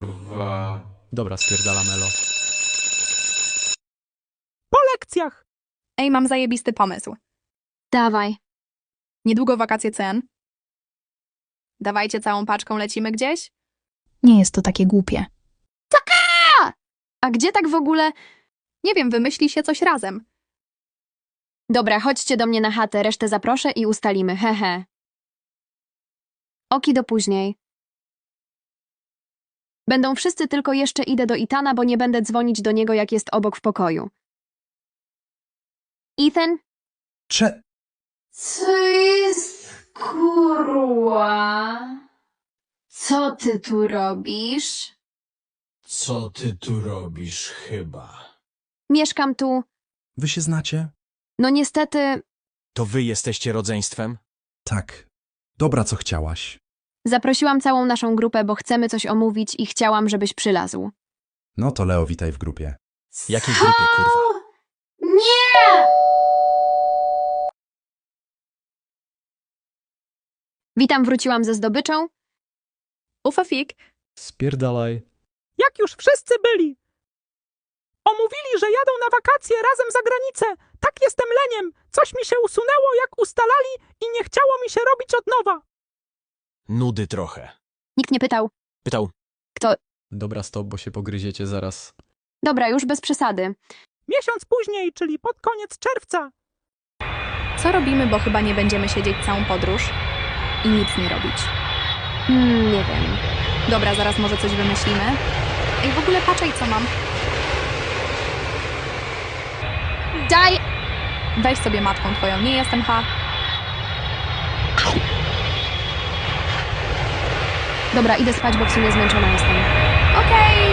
Dobra, spierdala Melo. Po lekcjach! Ej, mam zajebisty pomysł. Dawaj. Niedługo wakacje cen. Dawajcie całą paczką, lecimy gdzieś? Nie jest to takie głupie. A gdzie tak w ogóle? Nie wiem, wymyśli się coś razem. Dobra, chodźcie do mnie na chatę, resztę zaproszę i ustalimy, hehe. Oki do później. Będą wszyscy, tylko jeszcze idę do Ethana, bo nie będę dzwonić do niego, jak jest obok w pokoju. Ethan? Co jest, kurwa? Co ty tu robisz? Co ty tu robisz chyba? Mieszkam tu. Wy się znacie? No niestety, To wy jesteście rodzeństwem? Tak. Dobra, co chciałaś. zaprosiłam całą naszą grupę, bo chcemy coś omówić i chciałam, żebyś przylazł. No to Leo, witaj w grupie. Jakiej grupie, kurwa? Nie! Witam, wróciłam ze zdobyczą. Ufafik, Spierdalaj. Jak już wszyscy byli. Omówili, że jadą na wakacje razem za granicę. Tak jestem leniem. Coś mi się usunęło, jak ustalali i nie chciało mi się robić od nowa. Nudy trochę. Nikt nie pytał. Pytał, Dobra, stop, bo się pogryziecie zaraz. Dobra, już bez przesady. Miesiąc później, czyli pod koniec czerwca. co robimy, bo chyba nie będziemy siedzieć całą podróż i nic nie robić. Nie wiem. Dobra, zaraz może coś wymyślimy. Ej, w ogóle patrzaj, co mam. Daj! Weź sobie matką twoją, nie jestem Dobra, idę spać, bo w sumie zmęczona jestem. Okej.